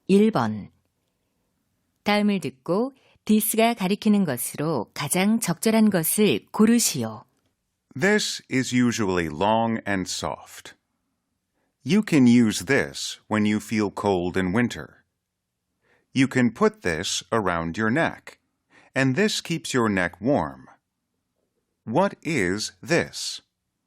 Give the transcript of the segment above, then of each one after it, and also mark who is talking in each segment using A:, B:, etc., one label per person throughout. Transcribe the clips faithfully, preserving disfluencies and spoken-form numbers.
A: 일 번. 다음을 듣고 this가 가리키는 것으로 가장 적절한 것을 고르시오.
B: This is usually long and soft. You can use this when you feel cold in winter. You can put this around your neck, and this keeps your neck warm. What is this?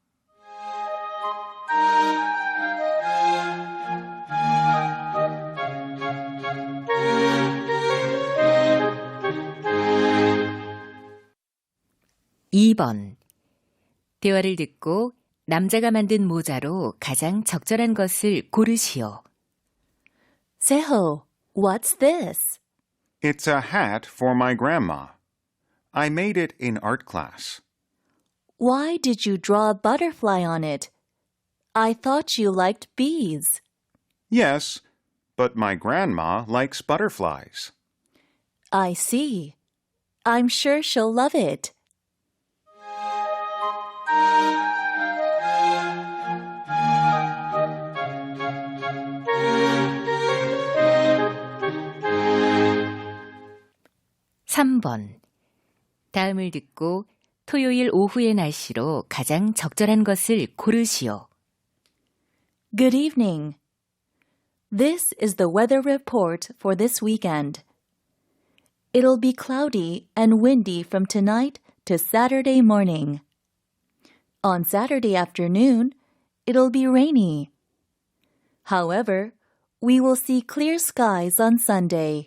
A: 이 번. 대화를 듣고 남자가 만든 모자로 가장 적절한 것을 고르시오.
C: Seho, what's this?
B: It's a hat for my grandma. I made it in art class.
C: Why did you draw a butterfly on it? I thought you liked bees.
B: Yes, but my grandma likes butterflies.
C: I see. I'm sure she'll love it.
A: 삼 번. 다음을 듣고 토요일 오후의 날씨로 가장 적절한 것을 고르시오.
C: Good evening. This is the weather report for this weekend. It'll be cloudy and windy from tonight to Saturday morning. On Saturday afternoon, it'll be rainy. However, we will see clear skies on Sunday.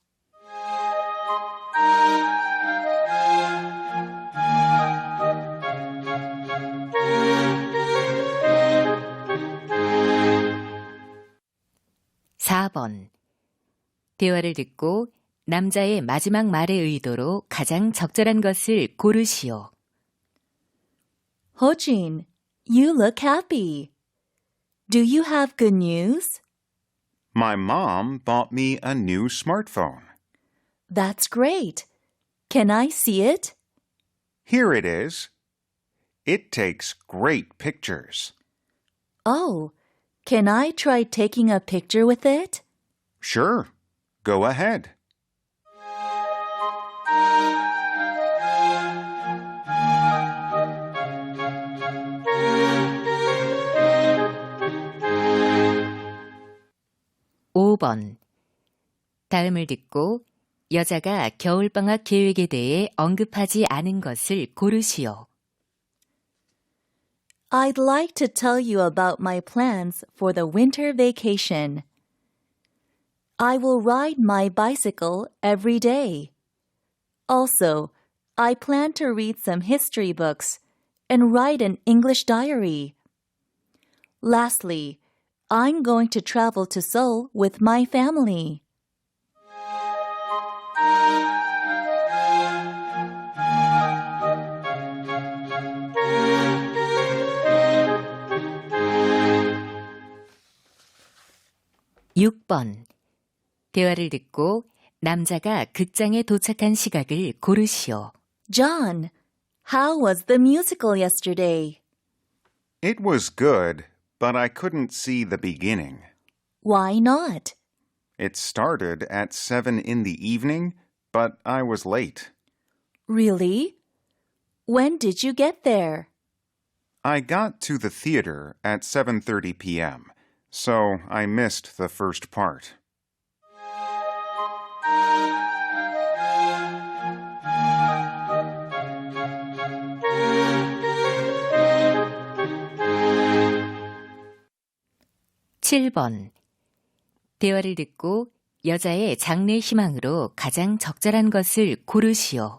A: 사 번. 대화를 듣고 남자의 마지막 말의 의도로 가장 적절한 것을 고르시오.
C: Ho-jin, you look happy. Do you have good news?
B: My mom bought me a new smartphone.
C: That's great. Can I see it?
B: Here it is. It takes great pictures.
C: Oh, can I try taking a picture with it?
B: Sure. Go ahead.
A: 오 번. 다음을 듣고 여자가 겨울방학 계획에 대해 언급하지 않은 것을 고르시오.
C: I'd like to tell you about my plans for the winter vacation. I will ride my bicycle every day. Also, I plan to read some history books and write an English diary. Lastly, I'm going to travel to Seoul with my family.
A: 육 번. 대화를 듣고 남자가 극장에 도착한 시각을 고르시오.
C: John, how was the musical yesterday?
B: It was good, but I couldn't see the beginning.
C: Why not?
B: It started at seven in the evening, but I was late.
C: Really? When did you get there?
B: I got to the theater at seven thirty p.m., so I missed the first part.
A: 칠 번. 대화를 듣고 여자의 장래 희망으로 가장 적절한 것을 고르시오.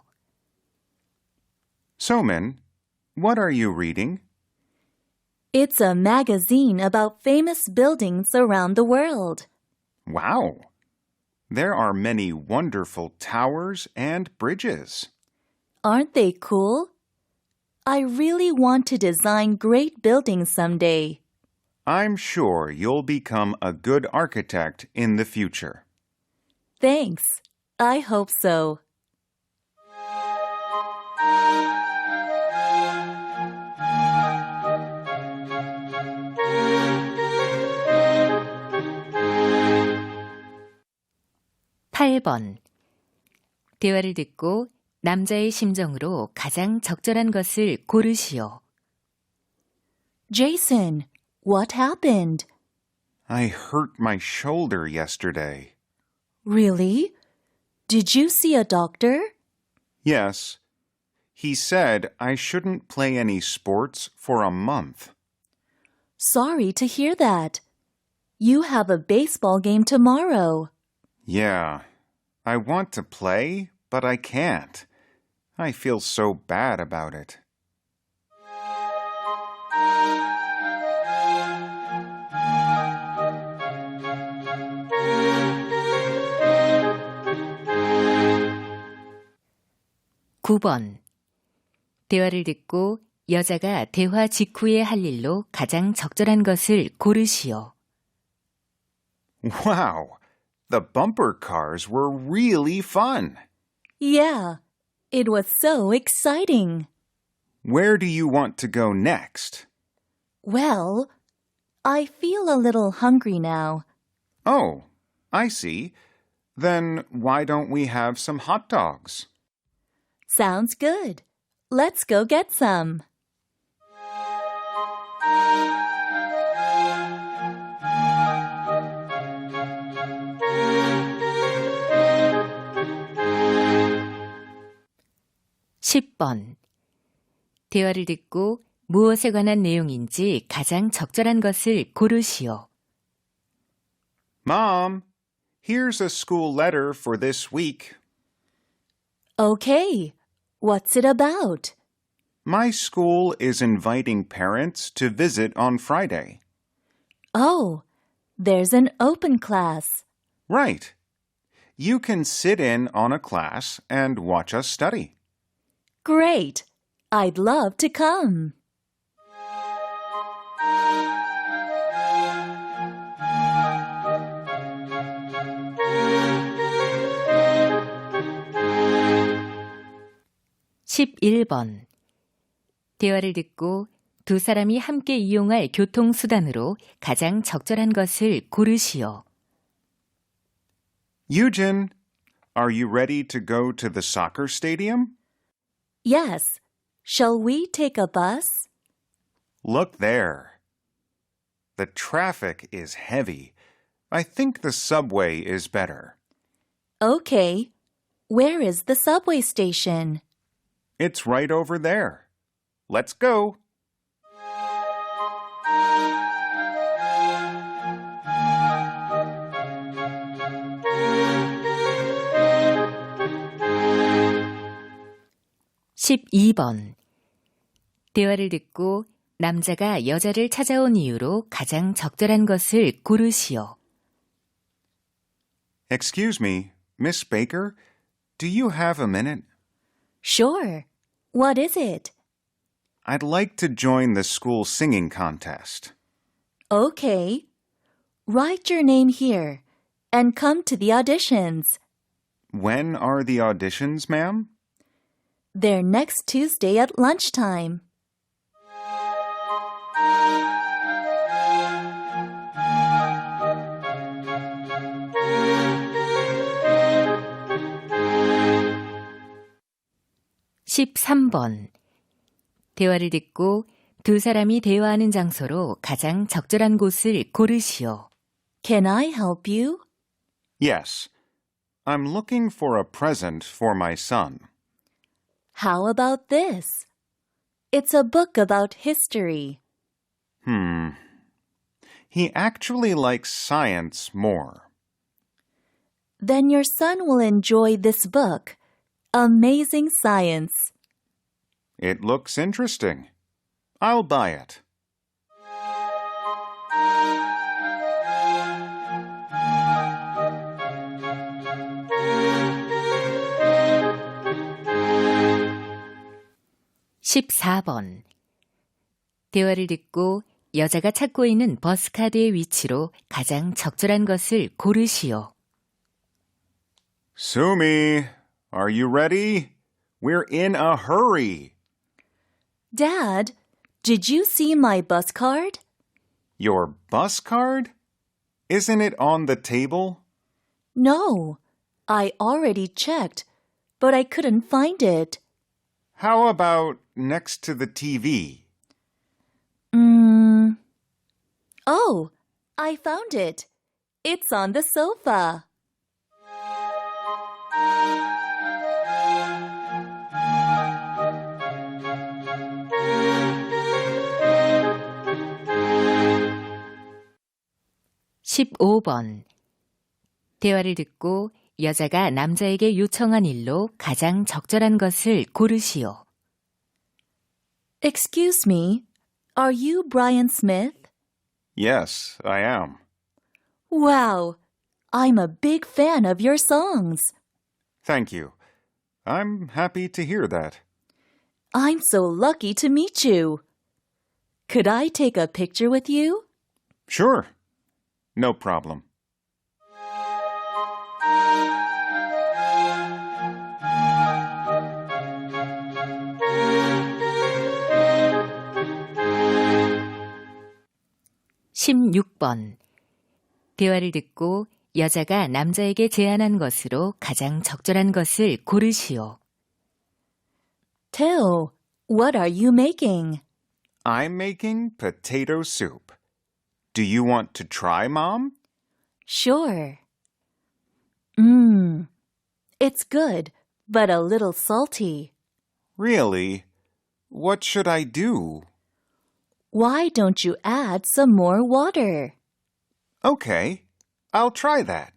B: Somin, what are you reading?
C: It's a magazine about famous buildings around the world.
B: Wow! There are many wonderful towers and bridges.
C: Aren't they cool? I really want to design great buildings someday.
B: I'm sure you'll become a good architect in the future.
C: Thanks. I hope so.
A: 팔 번. 대화를 듣고 남자의 심정으로 가장 적절한 것을 고르시오.
C: Jason, what happened?
B: I hurt my shoulder yesterday.
C: Really? Did you see a doctor?
B: Yes. He said I shouldn't play any sports for a month.
C: Sorry to hear that. You have a baseball game tomorrow.
B: Yeah. I want to play, but I can't. I feel so bad about it.
A: 구 번. 대화를 듣고 여자가 대화 직후에 할 일로 가장 적절한 것을 고르시오.
B: Wow! The bumper cars were really fun.
C: Yeah, it was so exciting.
B: Where do you want to go next?
C: Well, I feel a little hungry now.
B: Oh, I see. Then why don't we have some hot dogs?
C: Sounds good. Let's go get some.
A: 십 번. 대화를 듣고 무엇에 관한 내용인지 가장 적절한 것을 고르시오.
B: Mom, here's a school letter for this week.
C: Okay, what's it about?
B: My school is inviting parents to visit on Friday.
C: Oh, there's an open class.
B: Right. You can sit in on a class and watch us study.
C: Great. I'd love to come.
A: 십일 번. 대화를 듣고 두 사람이 함께 이용할 교통수단으로 가장 적절한 것을 고르시오.
B: Eugen, are you ready to go to the soccer stadium?
C: Yes. Shall we take a bus?
B: Look there. The traffic is heavy. I think the subway is better.
C: Okay. Where is the subway station?
B: It's right over there. Let's go.
A: 십이 번. 대화를 듣고 남자가 여자를 찾아온 이유로 가장 적절한 것을 고르시오.
B: Excuse me, Miss Baker, do you have a minute?
C: Sure. What is it?
B: I'd like to join the school singing contest.
C: Okay. Write your name here and come to the auditions.
B: When are the auditions, ma'am?
C: They're next Tuesday at lunchtime.
A: 십삼 번. 대화를 듣고 두 사람이 대화하는 장소로 가장 적절한 곳을 고르시오.
C: Can I help you?
B: Yes. I'm looking for a present for my son.
C: How about this? It's a book about history.
B: Hmm. He actually likes science more.
C: Then your son will enjoy this book, Amazing Science.
B: It looks interesting. I'll buy it.
A: 십사 번. 대화를 듣고 여자가 찾고 있는 버스카드의 위치로 가장 적절한 것을 고르시오.
B: Sumi, are you ready? We're in a hurry.
C: Dad, did you see my bus card?
B: Your bus card? Isn't it on the table?
C: No. I already checked, but I couldn't find it.
B: How about next to the T V?
C: Mm. Oh, I found it. It's on the sofa.
A: 십오 번. 대화를 듣고 여자가 남자에게 요청한 일로 가장 적절한 것을 고르시오.
C: Excuse me, are you Brian Smith?
B: Yes, I am.
C: Wow, I'm a big fan of your songs.
B: Thank you. I'm happy to hear that.
C: I'm so lucky to meet you. Could I take a picture with you?
B: Sure. No problem.
A: 십육 번. 대화를 듣고 여자가 남자에게 제안한 것으로 가장 적절한 것을 고르시오.
C: Teo, what are you making?
B: I'm making potato soup. Do you want to try, Mom?
C: Sure. Mmm, it's good, but a little salty.
B: Really? What should I do?
C: Why don't you add some more water?
B: Okay, I'll try that.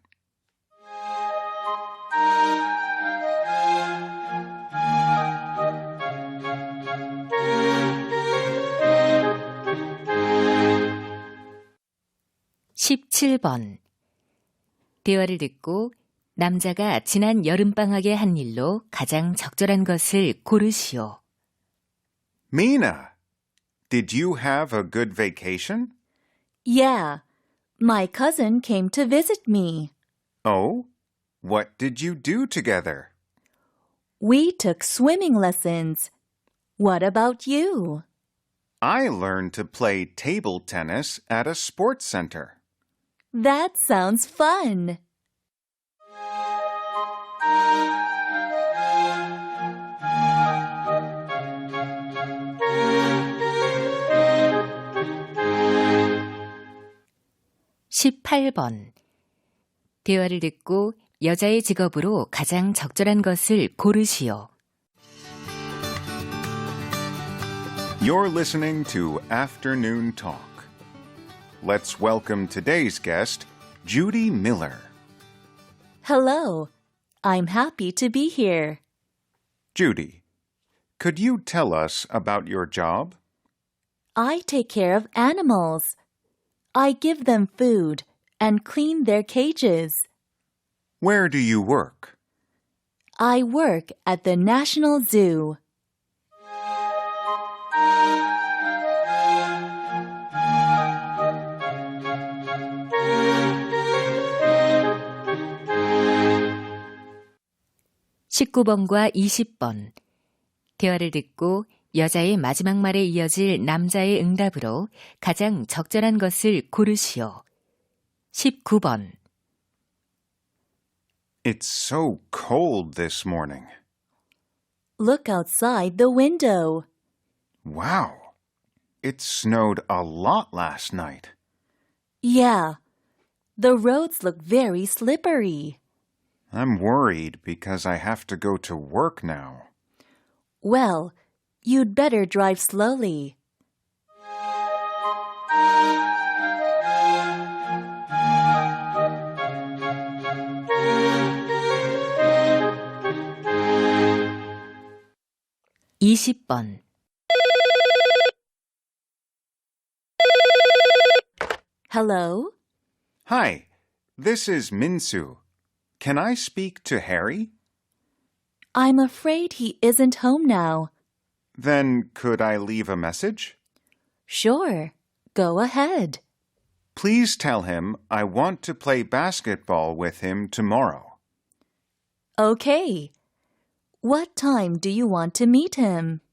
A: 십칠 번. 대화를 듣고 남자가 지난 여름방학에 한 일로 가장 적절한 것을 고르시오.
B: Mina, did you have a good vacation?
C: Yeah, my cousin came to visit me.
B: Oh? What did you do together?
C: We took swimming lessons. What about you?
B: I learned to play table tennis at a sports center.
C: That sounds fun.
A: 십팔 번. 대화를 듣고 여자의 직업으로 가장 적절한 것을 고르시오.
B: You're listening to Afternoon Talk. Let's welcome today's guest, Judy Miller.
C: Hello, I'm happy to be here.
B: Judy, could you tell us about your job?
C: I take care of animals. I give them food and clean their cages.
B: Where do you work?
C: I work at the National Zoo.
A: 십구 번과 이십 번. 대화를 듣고 여자의 마지막 말에 이어질 남자의 응답으로 가장 적절한 것을 고르시오. 십구 번.
B: It's so cold this morning.
C: Look outside the window.
B: Wow. It snowed a lot last night.
C: Yeah, the roads look very slippery.
B: I'm worried because I have to go to work now.
C: Well, you'd better drive slowly.
A: 이십 번.
C: Hello?
B: Hi, this is Minsu. Can I speak to Harry?
C: I'm afraid he isn't home now.
B: Then could I leave a message?
C: Sure, go ahead.
B: Please tell him I want to play basketball with him tomorrow.
C: Okay. What time do you want to meet him?